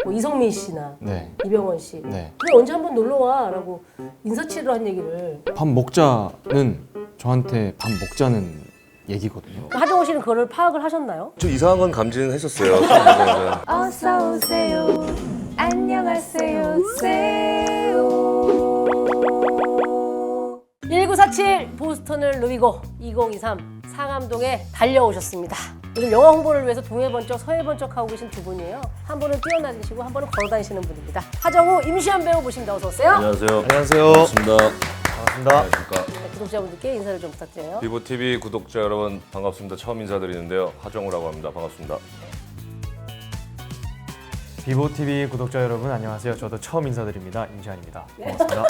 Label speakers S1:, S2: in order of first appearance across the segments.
S1: 뭐 이성민 씨나
S2: 네.
S1: 이병헌 씨.
S2: 네.
S1: 그래 언제 한번 놀러 와라고 인사치레로 한 얘기를.
S2: 밥 먹자는 저한테 밥 먹자는 얘기거든요.
S1: 하정우 씨는 그거를 파악을 하셨나요?
S3: 좀 이상한 건 감지는 했었어요.
S4: 어서 오세요. 안녕하세요. 세요.
S1: 1947 보스턴을 누비고 2023 상암동에 달려오셨습니다. 요즘 영화 홍보를 위해서 동해 번쩍 서해 번쩍 하고 계신 두 분이에요. 한 분은 뛰어다니시고 한 분은 걸어 다니시는 분입니다. 하정우, 임시완 배우 모십니다. 어서 오세요.
S3: 안녕하세요.
S2: 안녕하세요.
S3: 반갑습니다.
S2: 반갑습니다.
S3: 안녕하십니까.
S1: 네, 구독자분들께 인사를 좀 부탁드려요.
S3: 비보TV 구독자 여러분 반갑습니다. 처음 인사드리는데요. 하정우라고 합니다. 반갑습니다.
S5: 비보TV 구독자 여러분 안녕하세요. 저도 처음 인사드립니다. 임시완입니다. 반갑습니다.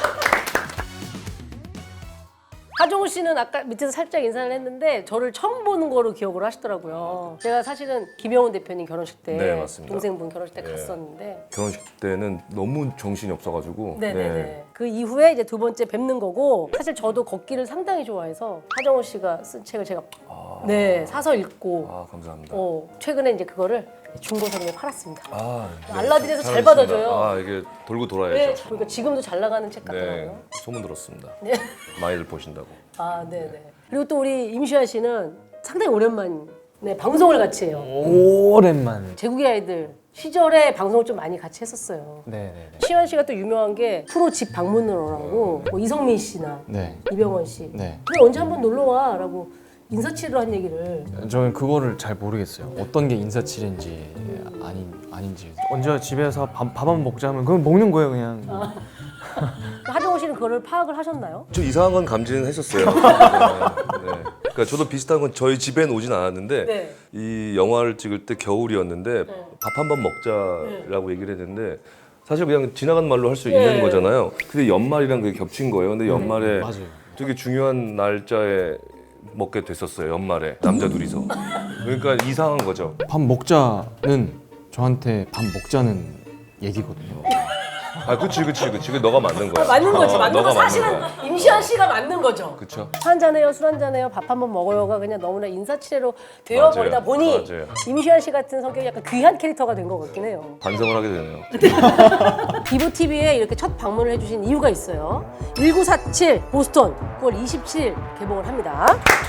S1: 하정우 씨는 아까 밑에서 살짝 인사를 했는데 저를 처음 보는 거로 기억을 하시더라고요. 제가 사실은 김영훈 대표님 결혼식 때
S3: 네, 맞습니다.
S1: 동생분 결혼식 때
S3: 네.
S1: 갔었는데
S3: 결혼식 때는 너무 정신이 없어가지고
S1: 네네네. 그 이후에 이제 두 번째 뵙는 거고 사실 저도 걷기를 상당히 좋아해서 하정우 씨가 쓴 책을 제가 네 사서 읽고
S3: 아 감사합니다.
S1: 최근에 이제 그거를 중고 서점에 팔았습니다.
S3: 네,
S1: 알라딘에서 잘
S3: 잘하셨습니다.
S1: 받아줘요.
S3: 아 이게 돌고
S1: 네,
S3: 돌아야죠.
S1: 그러니까 지금도 잘 나가는 책
S3: 네,
S1: 같더라고요.
S3: 소문 들었습니다.
S1: 네.
S3: 많이들 보신다고.
S1: 아, 네네. 그리고 또 우리 임시완 씨는 상당히 오랜만 네, 방송을 같이 해요.
S5: 오랜만.
S1: 제국의 아이들 시절에 방송을 좀 많이 같이 했었어요.
S5: 네네네.
S1: 시완 씨가 또 유명한 게 프로 집 방문으로라고 뭐 이성민 씨나
S2: 네.
S1: 이병헌 씨.
S2: 네.
S1: 그래 언제 한번 놀러 와라고 인사치레로 한 얘기를.
S2: 저는 그거를 잘 모르겠어요. 어떤 게 인사치레인지 아닌지.
S5: 언제 집에서 밥 한번 먹자면 그건 먹는 거예요 그냥.
S1: 하정우 씨는 그거를 파악을 하셨나요?
S3: 좀 이상한 건 감지는 했었어요. 네. 그러니까 저도 비슷한 건 저희 집에는 오진 않았는데
S1: 네.
S3: 이 영화를 찍을 때 겨울이었는데 밥 한 번 먹자라고 얘기를 했는데 사실 그냥 지나간 말로 할 수 있는 거잖아요. 근데 연말이랑 그게 겹친 거예요. 근데 연말에
S2: 맞아요.
S3: 되게 중요한 날짜에 먹게 됐었어요. 연말에 남자 둘이서. 그러니까 이상한 거죠.
S2: 밥 먹자는 저한테 밥 먹자는 얘기거든요.
S3: 아, 그치. 그 너가 맞는 거야.
S1: 맞는 거지. 맞는
S3: 너가
S1: 거 사실은
S3: 거야.
S1: 임시완 씨가 맞는 거죠.
S3: 그쵸.
S1: 술 한잔해요, 술 한잔해요, 밥 한번 먹어요가 그냥 너무나 인사치레로 되어버리다
S3: 맞아요.
S1: 보니
S3: 맞아요.
S1: 임시완 씨 같은 성격이 약간 귀한 캐릭터가 된 것 같긴 해요.
S3: 반성을 하게 되네요.
S1: 비보TV에 이렇게 첫 방문을 해주신 이유가 있어요. 1947 보스턴 9월 27일 개봉을 합니다.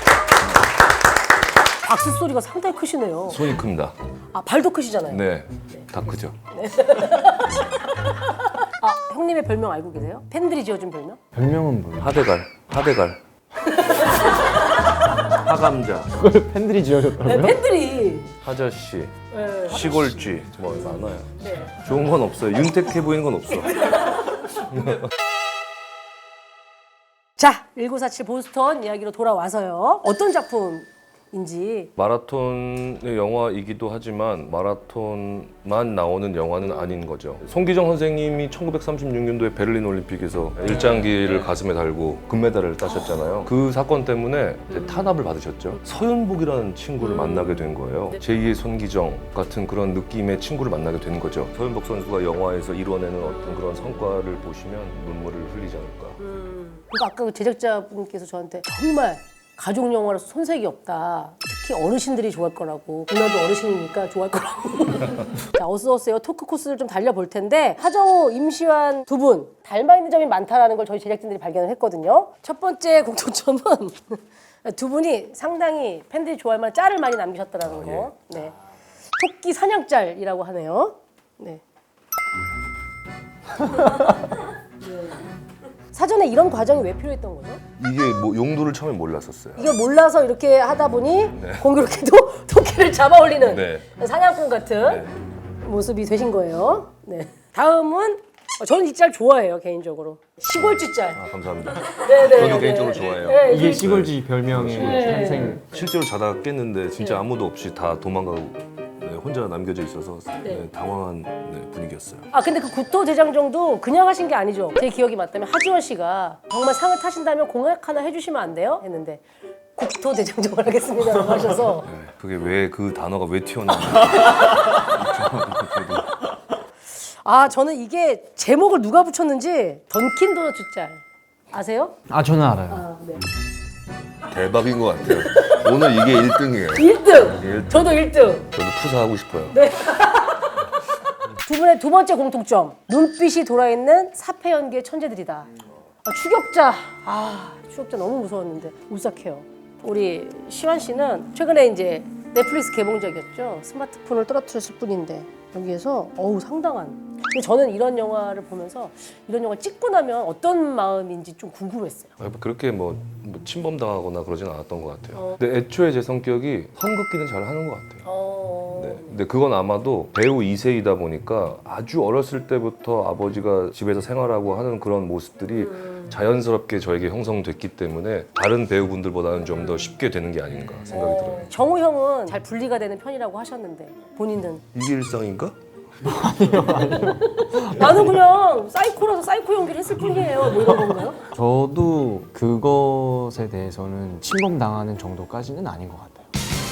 S1: 박수 소리가 상당히 크시네요.
S3: 손이 큽니다.
S1: 아, 발도 크시잖아요.
S3: 네. 다 크죠.
S1: 아, 형님의 별명 알고 계세요? 팬들이 지어준 별명?
S2: 별명은 뭐예요?
S3: 하대갈. 하감자,
S2: 그걸 팬들이 지어줬다고요?
S1: 네, 팬들이.
S3: 하저씨,
S1: 네,
S3: 시골쥐 뭐 많아요.
S1: 네.
S3: 좋은 건 없어요. 윤택해 보이는 건 없어.
S1: 자, 1947 보스턴 이야기로 돌아와서요. 어떤 작품인지.
S3: 마라톤의 영화이기도 하지만 마라톤만 나오는 영화는 아닌 거죠. 송기정 선생님이 1936년도에 베를린 올림픽에서 일장기를 가슴에 달고 금메달을 따셨잖아요. 그 사건 때문에 이제 탄압을 받으셨죠. 서윤복이라는 친구를 만나게 된 거예요. 제2의 손기정 같은 그런 느낌의 친구를 만나게 된 거죠. 서윤복 선수가 영화에서 이뤄내는 어떤 그런 성과를 보시면 눈물을 흘리지 않을까.
S1: 그러니까 아까 그 제작자분께서 저한테 정말 가족 영화라서 손색이 없다. 특히 어르신들이 좋아할 거라고. 누나도 어르신이니까 좋아할 거라고. 자, 어서오세요. 토크 코스를 좀 달려볼 텐데 하정우, 임시완 두 분 닮아 있는 점이 많다라는 걸 저희 제작진들이 발견을 했거든요. 첫 번째 공통점은 두 분이 상당히 팬들이 좋아할 만한 짤을 많이 남기셨다라는 거. 네. 토끼 사냥짤이라고 하네요. 네. 사전에 이런 과정이 왜 필요했던 거죠?
S3: 이게 뭐 용도를 처음에 몰랐었어요.
S1: 이걸 몰라서 이렇게 하다 보니 공교롭게도 토끼를 잡아 올리는
S3: 네.
S1: 사냥꾼 같은 모습이 되신 거예요. 네. 다음은 저는 이 짤 좋아해요, 개인적으로. 시골쥐 짤.
S3: 아, 감사합니다.
S1: 네네.
S3: 저도 개인적으로 좋아해요.
S1: 네,
S5: 이게 시골쥐 별명의 탄생.
S3: 실제로 자다가 깼는데 진짜 아무도 없이 다 도망가고 혼자 남겨져 있어서 당황한 분위기였어요.
S1: 아, 근데 그 구토 대장정도 그냥 하신 게 아니죠. 제 기억이 맞다면 하지원 씨가 정말 상을 타신다면 공약 하나 해주시면 안 돼요? 했는데 국토 대장정을 하겠습니다라고 하셔서
S3: 그게 왜 그 단어가 왜 튀어나왔는지.
S1: 아, 저는 이게 제목을 누가 붙였는지 던킨 도너츠 짤 아세요?
S2: 아 저는 알아요.
S1: 아, 네.
S3: 대박인 것 같아요. 오늘 이게 1등이에요.
S1: 1등! 저도 1등!
S3: 저도 푸사하고 싶어요.
S1: 두 분의 두 번째 공통점. 눈빛이 돌아있는 사패 연기의 천재들이다. 추격자 너무 무서웠는데 울싹해요. 우리 시완 씨는 최근에 이제 넷플릭스 개봉작이었죠. 스마트폰을 떨어뜨렸을 뿐인데 여기에서 상당한. 근데 저는 이런 영화를 보면서 이런 영화 찍고 나면 어떤 마음인지 좀 궁금했어요.
S3: 그렇게 뭐 침범당하거나 그러진 않았던 것 같아요. 근데 애초에 제 성격이 선긋기는 잘 하는 것 같아요. 네. 근데 그건 아마도 배우 2세이다 보니까 아주 어렸을 때부터 아버지가 집에서 생활하고 하는 그런 모습들이 자연스럽게 저에게 형성됐기 때문에 다른 배우분들보다는 좀 더 쉽게 되는 게 아닌가 생각이 들어요.
S1: 정우 형은 잘 분리가 되는 편이라고 하셨는데 본인은?
S3: 이게 일상인가?
S1: 나는 그냥 사이코라서 사이코 연기를 했을 뿐이에요. 뭐 이런 건가요?
S2: 저도 그것에 대해서는 침범당하는 정도까지는 아닌 것 같아요.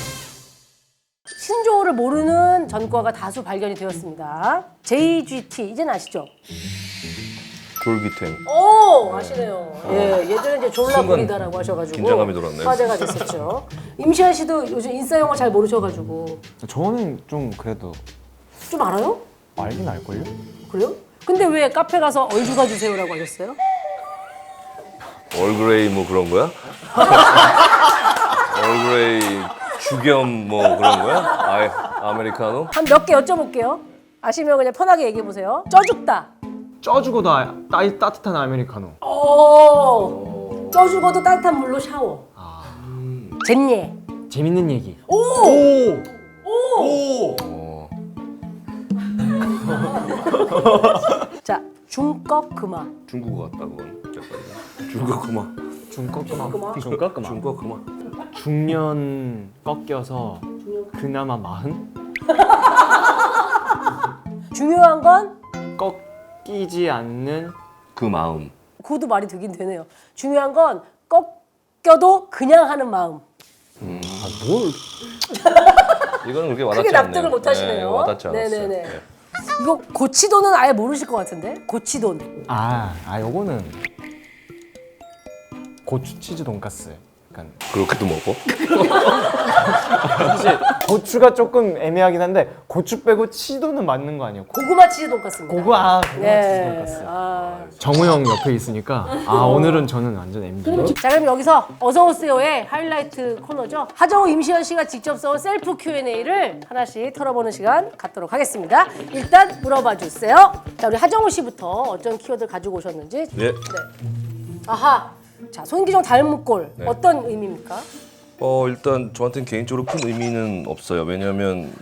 S1: 신조어를 모르는 전과가 다수 발견이 되었습니다. JGT 이제는 아시죠?
S3: 졸기탱.
S1: 아시네요. 예, 예전에 이제 졸라
S3: 순간
S1: 보리다라고 하셔가지고
S3: 긴장감이 돌았네요.
S1: 화제가 됐었죠. 임시완 씨도 요즘 인싸 영어 잘 모르셔가지고
S2: 저는 좀 그래도
S1: 좀 알아요?
S2: 알긴 알걸요?
S1: 그래요? 근데 왜 카페 가서 얼주가 주세요라고 하셨어요?
S3: 얼그레이 뭐 그런 거야? 얼그레이 주겸 뭐 그런 거야? 아메리카노?
S1: 한 몇 개 여쭤볼게요. 아시면 그냥 편하게 얘기해 보세요. 쪄죽다.
S2: 쪄주고도 따뜻한 아메리카노.
S1: 쪄 죽어도 따뜻한 물로 샤워. 잼예.
S2: 재밌는 얘기.
S1: 자, 중꺽 금화.
S3: 중국어 같다 그건. 약간. 중국 그만.
S2: 중꺾음아.
S3: 중국 그만.
S2: 중년 꺾여서 그나마 마흔?
S1: 중요한 건
S2: 꺾이지 않는
S3: 그 마음.
S1: 그것도 말이 되긴 되네요. 중요한 건 꺾여도 그냥 하는 마음.
S3: 이거는 그렇게 와닿지
S1: 크게
S3: 않네요.
S1: 납득을 못 하시네요.
S3: 네, 와닿지 않았어요.
S1: 네네네.
S3: 네.
S1: 이거 고치돈은 아예 모르실 것 같은데? 고치돈.
S2: 요거는 고추 치즈 돈가스. 약간
S3: 그렇게도 먹어?
S2: 사실 고추가 조금 애매하긴 한데 고추 빼고 치도는 맞는 거 아니에요?
S1: 고구마 치즈 돈가스입니다.
S2: 고구마 치즈
S1: 네.
S2: 돈가스. 정우 형 옆에 있으니까 오늘은 저는 완전 MD.
S1: 자, 그럼 여기서 어서오세요의 하이라이트 코너죠. 하정우, 임시완 씨가 직접 써온 셀프 Q&A를 하나씩 털어보는 시간 갖도록 하겠습니다. 일단 물어봐 주세요. 자, 우리 하정우 씨부터 어떤 키워드를 가지고 오셨는지.
S3: 예.
S1: 아하. 자, 손기정 닮은 꼴.
S3: 네.
S1: 어떤 의미입니까?
S3: 일단 저한테는 개인적으로 큰 의미는 없어요. 왜냐하면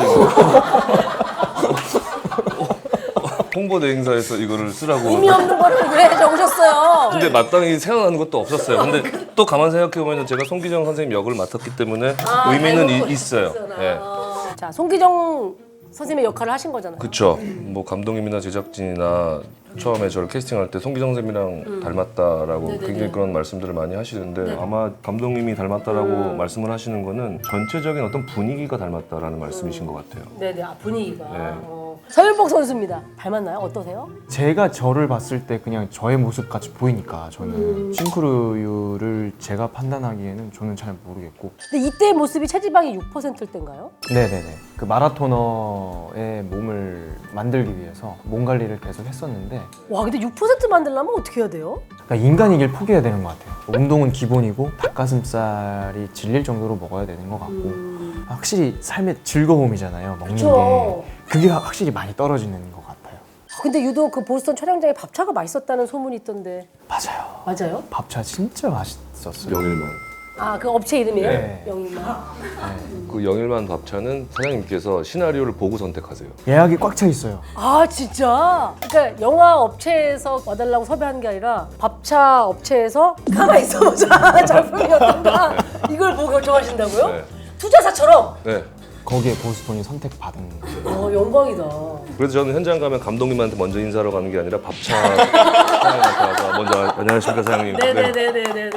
S3: 홍보대 행사에서 이거를 쓰라고.
S1: 의미 없는 거를 왜 적으셨어요?
S3: 근데 마땅히 생각나는 것도 없었어요. 근데 또 가만 생각해보면 제가 송기정 선생님 역을 맡았기 때문에 의미는
S1: 닮은
S3: 있어요. 예.
S1: 자, 송기정 선생님의 역할을 하신 거잖아요.
S3: 그쵸. 뭐 감독님이나 제작진이나 처음에 저를 캐스팅할 때 송기정 선생님이랑 닮았다라고 굉장히 그런 말씀들을 많이 하시는데 아마 감독님이 닮았다라고 말씀을 하시는 거는 전체적인 어떤 분위기가 닮았다라는 말씀이신 것 같아요.
S1: 네네, 분위기가.
S3: 네.
S1: 서윤복 선수입니다. 닮았나요? 어떠세요?
S2: 제가 저를 봤을 때 그냥 저의 모습 같이 보이니까 저는 싱크로율을 제가 판단하기에는 저는 잘 모르겠고.
S1: 근데 이때의 모습이 체지방이 6%일 때인가요?
S2: 네네네. 그 마라토너의 몸을 만들기 위해서 몸 관리를 계속 했었는데
S1: 와, 근데 6% 만들려면 어떻게 해야 돼요?
S2: 그러니까 인간이길 포기해야 되는 것 같아요. 운동은 기본이고 닭가슴살이 질릴 정도로 먹어야 되는 것 같고 확실히 삶의 즐거움이잖아요. 먹는
S1: 그쵸.
S2: 게 그게 확실히 많이 떨어지는 것 같아요.
S1: 근데 유독 그 보스턴 촬영장에 밥차가 맛있었다는 소문이 있던데
S2: 맞아요.
S1: 맞아요?
S2: 밥차 진짜 맛있었어요.
S3: 영일만.
S1: 아, 그 업체 이름이에요?
S2: 네.
S1: 영희만.
S3: 그 영일만 밥차는 사장님께서 시나리오를 보고 선택하세요.
S2: 예약이 꽉 차 있어요.
S1: 아, 진짜? 그러니까 영화 업체에서 와달라고 섭외한 게 아니라 밥차 업체에서 가만히 있어보자 작품이 어떤가 이걸 보고 결정하신다고요?
S3: 네.
S1: 투자사처럼?
S3: 네.
S2: 거기에 보스톤이 선택받은 거예요.
S1: 영광이다.
S3: 그래서 저는 현장 가면 감독님한테 먼저 인사하러 가는 게 아니라 밥차 사장님한테 가서 먼저 안녕하십니까 사장님. 네.
S1: 네네네네네네.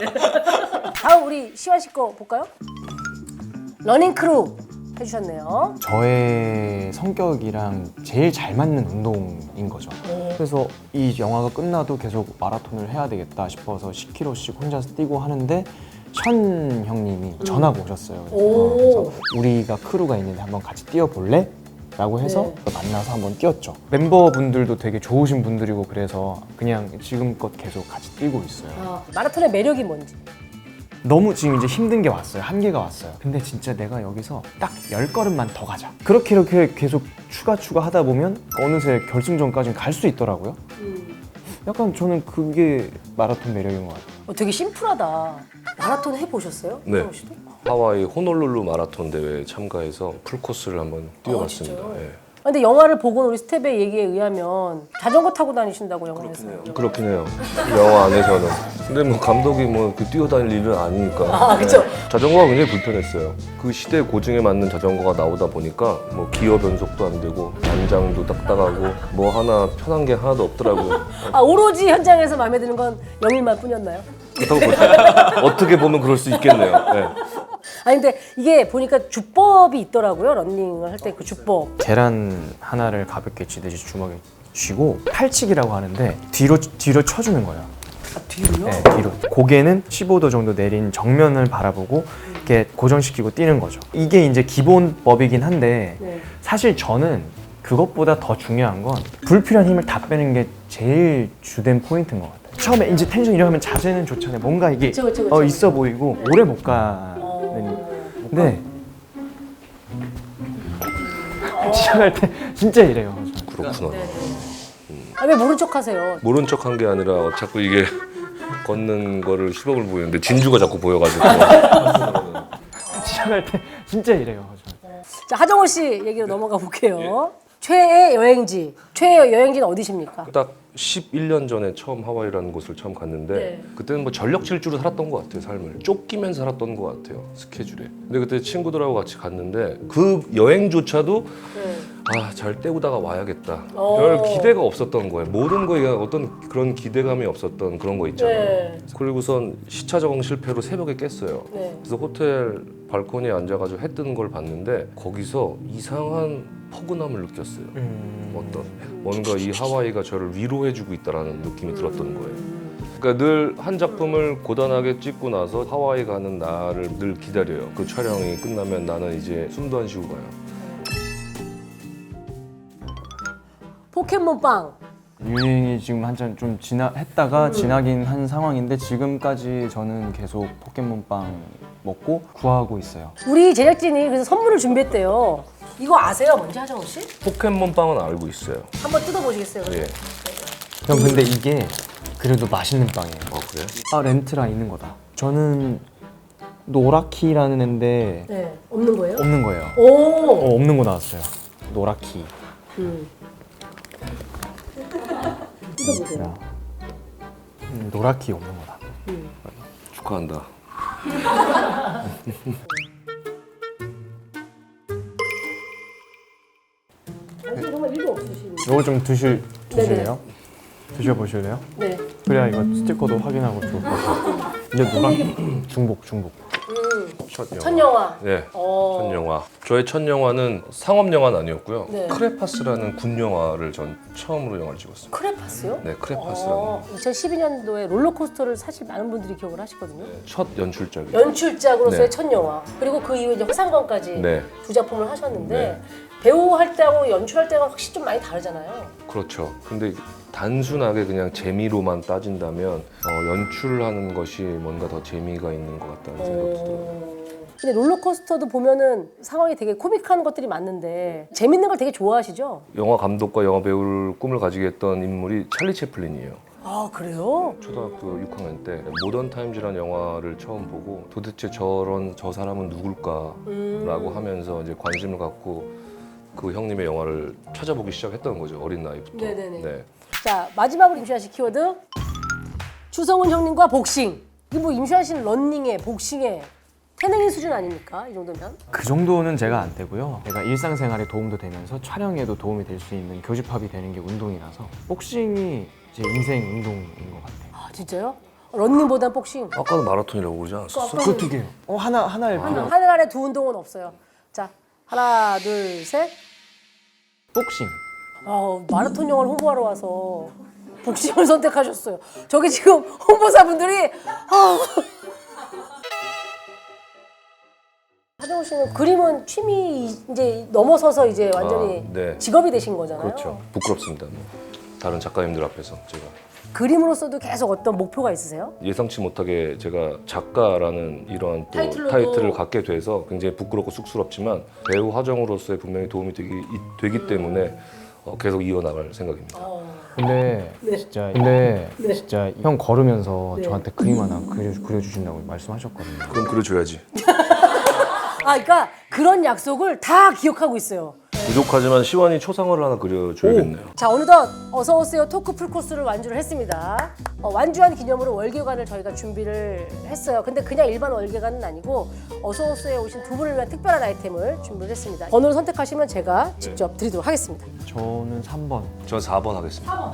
S1: 다음 우리 시완 씨 거 볼까요? 러닝 크루 해주셨네요.
S2: 저의 성격이랑 제일 잘 맞는 운동인 거죠. 그래서 이 영화가 끝나도 계속 마라톤을 해야 되겠다 싶어서 10km씩 혼자서 뛰고 하는데 션 형님이 전화가 오셨어요.
S1: 오.
S2: 그래서 우리가 크루가 있는데 한번 같이 뛰어볼래? 라고 해서 만나서 한번 뛰었죠. 멤버분들도 되게 좋으신 분들이고 그래서 그냥 지금껏 계속 같이 뛰고 있어요.
S1: 마라톤의 매력이 뭔지.
S2: 너무 지금 이제 힘든 게 왔어요. 한계가 왔어요. 근데 진짜 내가 여기서 딱 10걸음만 더 가자. 그렇게 이렇게 계속 추가 하다 보면 어느새 결승전까지 갈 수 있더라고요. 약간 저는 그게 마라톤 매력인 것 같아요.
S1: 되게 심플하다. 마라톤 해보셨어요?
S3: 네.
S1: 성호 씨도?
S3: 하와이 호놀룰루 마라톤 대회에 참가해서 풀코스를 한번 뛰어봤습니다.
S1: 진짜요?
S3: 예.
S1: 근데 영화를 보고 우리 스텝의 얘기에 의하면 자전거 타고 다니신다고 영화에서.
S3: 그렇긴 해요. 영화 안에서는. 근데 뭐 감독이 뭐 그 뛰어다닐 일은 아니니까.
S1: 그쵸.
S3: 자전거가 굉장히 불편했어요. 그 시대 고증에 맞는 자전거가 나오다 보니까 뭐 기어 변속도 안 되고 안장도 딱딱하고 뭐 하나 편한 게 하나도 없더라고요.
S1: 오로지 현장에서 마음에 드는 건 영일만 뿐이었나요?
S3: 그렇다고 보죠. 어떻게 보면 그럴 수 있겠네요. 네.
S1: 아니 근데 이게 보니까 주법이 있더라고요. 런닝을 할 때 그 주법.
S2: 계란 하나를 가볍게 쥐듯이 주먹에 쥐고 팔치기라고 하는데 뒤로 쳐주는 거예요.
S1: 뒤로요?
S2: 네, 뒤로. 고개는 15도 정도 내린 정면을 바라보고 이렇게 고정시키고 뛰는 거죠. 이게 이제 기본법이긴 한데
S1: 네.
S2: 사실 저는 그것보다 더 중요한 건 불필요한 힘을 다 빼는 게 제일 주된 포인트인 것 같아요. 처음에 이제 텐션 이러면 자세는 좋잖아요. 뭔가 이게
S1: 그쵸.
S2: 있어 보이고 오래 못 가는. 근데 시작할 때 진짜 이래요.
S3: 그렇구나.
S1: 왜 모른 척 하세요?
S3: 모른 척 한 게 아니라 자꾸 이게 걷는 거를 시범을 보이는데 진주가 자꾸 보여가지고.
S2: 시작할 때 진짜 이래요.
S1: 자, 하정우 씨 얘기로 넘어가 볼게요. 최애 여행지. 최애 여행지는 어디십니까?
S3: 딱 11년 전에 처음 하와이라는 곳을 처음 갔는데
S1: 네.
S3: 그때는 뭐 전력 질주로 살았던 것 같아요. 삶을 쫓기면서 살았던 것 같아요. 스케줄에. 근데 그때 친구들하고 같이 갔는데 그 여행조차도 잘 때우다가 와야겠다. 별 기대가 없었던 거예요. 모든 거에 어떤 그런 기대감이 없었던 그런 거 있잖아요.
S1: 네.
S3: 그리고선 시차 적응 실패로 새벽에 깼어요.
S1: 네.
S3: 그래서 호텔 발코니에 앉아가지고 해 뜨는 걸 봤는데 거기서 이상한 포근함을 느꼈어요. 어떤 뭔가 이 하와이가 저를 위로해주고 있다라는 느낌이 들었던 거예요. 그러니까 늘 한 작품을 고단하게 찍고 나서 하와이 가는 날을 늘 기다려요. 그 촬영이 끝나면 나는 이제 숨도 안 쉬고 가요.
S1: 포켓몬빵.
S2: 유행이 지금 한참 좀 했다가 지나긴 한 상황인데 지금까지 저는 계속 포켓몬빵 먹고 구하고 있어요.
S1: 우리 제작진이 그래서 선물을 준비했대요. 이거 아세요? 뭔지 하정우 씨?
S3: 포켓몬 빵은 알고 있어요.
S1: 한번 뜯어보시겠어요?
S3: 예.
S2: 형 근데 이게 그래도 맛있는 빵이에요.
S3: 그래?
S2: 렌트라 있는 거다. 저는 노라키라는 애인데
S1: 네. 없는 거예요?
S2: 없는 거예요.
S1: 오.
S2: 없는 거 나왔어요. 노라키.
S1: 뜯어보세요.
S2: 노라키 없는 거다.
S3: 축하한다.
S1: 정말 일도 없으시네.
S2: 이거 좀 드실래요? 드셔보실래요?
S1: 네.
S2: 그래야 이거 스티커도 확인하고 좋을 것 같아요. 이제 노라키 중복.
S3: 첫 영화. 네.
S1: 어.
S3: 첫 영화. 저의 첫 영화는 상업 영화는 아니었고요.
S1: 네.
S3: 크레파스라는 군 영화를 전 처음으로 영화를 찍었어요.
S1: 크레파스요?
S3: 네, 크레파스라는
S1: 2012년도에 롤러코스터를 사실 많은 분들이 기억을 하시거든요.
S3: 첫 연출작이에요.
S1: 연출작으로서의
S3: 네.
S1: 첫 영화. 그리고 그 이후에 이제 화상관까지
S3: 네.
S1: 두 작품을 하셨는데
S3: 네.
S1: 배우 할 때하고 연출할 때가 확실히 좀 많이 다르잖아요.
S3: 그렇죠. 근데 단순하게 그냥 재미로만 따진다면 연출하는 것이 뭔가 더 재미가 있는 것 같다는 생각이 들어요.
S1: 근데 롤러코스터도 보면은 상황이 되게 코믹한 것들이 많는데 재밌는 걸 되게 좋아하시죠?
S3: 영화 감독과 영화 배우를 꿈을 가지게 했던 인물이 찰리 채플린이에요.
S1: 아 그래요?
S3: 초등학교 6학년 때 모던 타임즈라는 영화를 처음 보고 도대체 저 사람은 누굴까라고 하면서 이제 관심을 갖고 그 형님의 영화를 찾아보기 시작했던 거죠. 어린 나이부터.
S1: 네네네.
S3: 네.
S1: 자 마지막으로 임시완 씨 키워드 추성훈 형님과 복싱. 이게 뭐 임시완 씨는 런닝에 복싱에 태능인 수준 아닙니까? 이 정도면?
S2: 그 정도는 제가 안 되고요. 제가 일상생활에 도움도 되면서 촬영에도 도움이 될 수 있는 교집합이 되는 게 운동이라서 복싱이 제 인생 운동인 것 같아요.
S1: 아 진짜요? 런닝보단 복싱.
S3: 아까도 마라톤이라고 그러지 않았었어?
S2: 그거 두 개요. 하나일 필요.
S1: 하늘 아래 두 운동은 없어요. 자 하나 둘 셋.
S2: 복싱.
S1: 마라톤 영화를 홍보하러 와서 복싱을 선택하셨어요. 저기 지금 홍보사분들이 하정우 서우 씨는 그림은 취미 이제 넘어서서 이제 완전히
S3: 네.
S1: 직업이 되신 거잖아요.
S3: 그렇죠. 부끄럽습니다. 뭐. 다른 작가님들 앞에서 제가
S1: 그림으로서도 계속 어떤 목표가 있으세요?
S3: 예상치 못하게 제가 작가라는 이러한 또
S1: 타이틀로도-
S3: 타이틀을 갖게 돼서 굉장히 부끄럽고 쑥스럽지만 배우 화정으로서의 분명히 도움이 되기 때문에 계속 이어나갈 생각입니다.
S2: 근데
S1: 네.
S2: 진짜 형 걸으면서
S1: 네.
S2: 저한테 그림 하나 그려주신다고 말씀하셨거든요.
S3: 그럼 그려줘야지.
S1: 아, 그러니까 그런 약속을 다 기억하고 있어요.
S3: 부족하지만 시원이 초상화를 하나 그려줘야겠네요.
S1: 자, 어느덧 어서 오세요 토크 풀코스를 완주를 했습니다. 완주한 기념으로 월계관을 저희가 준비를 했어요. 근데 그냥 일반 월계관은 아니고 어서 오세요 오신 두 분을 위한 특별한 아이템을 준비를 했습니다. 번호를 선택하시면 제가 직접 드리도록 하겠습니다.
S2: 저는 3번.
S3: 저는 4번 하겠습니다.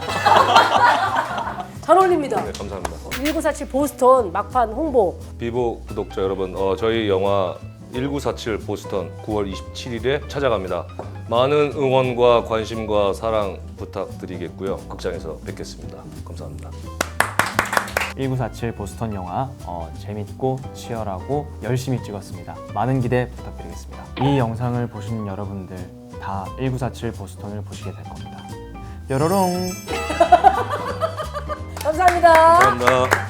S1: 잘 어울립니다.
S3: 네, 감사합니다.
S1: 1947 보스턴 막판 홍보.
S3: 비보 구독자 여러분, 저희 영화 1947 보스턴 9월 27일에 찾아갑니다. 많은 응원과 관심과 사랑 부탁드리겠고요. 극장에서 뵙겠습니다. 감사합니다.
S2: 1947 보스턴 영화 재밌고 치열하고 열심히 찍었습니다. 많은 기대 부탁드리겠습니다. 이 영상을 보신 여러분들 다 1947 보스턴을 보시게 될 겁니다. 뾰로롱.
S1: 감사합니다.
S3: 감사합니다.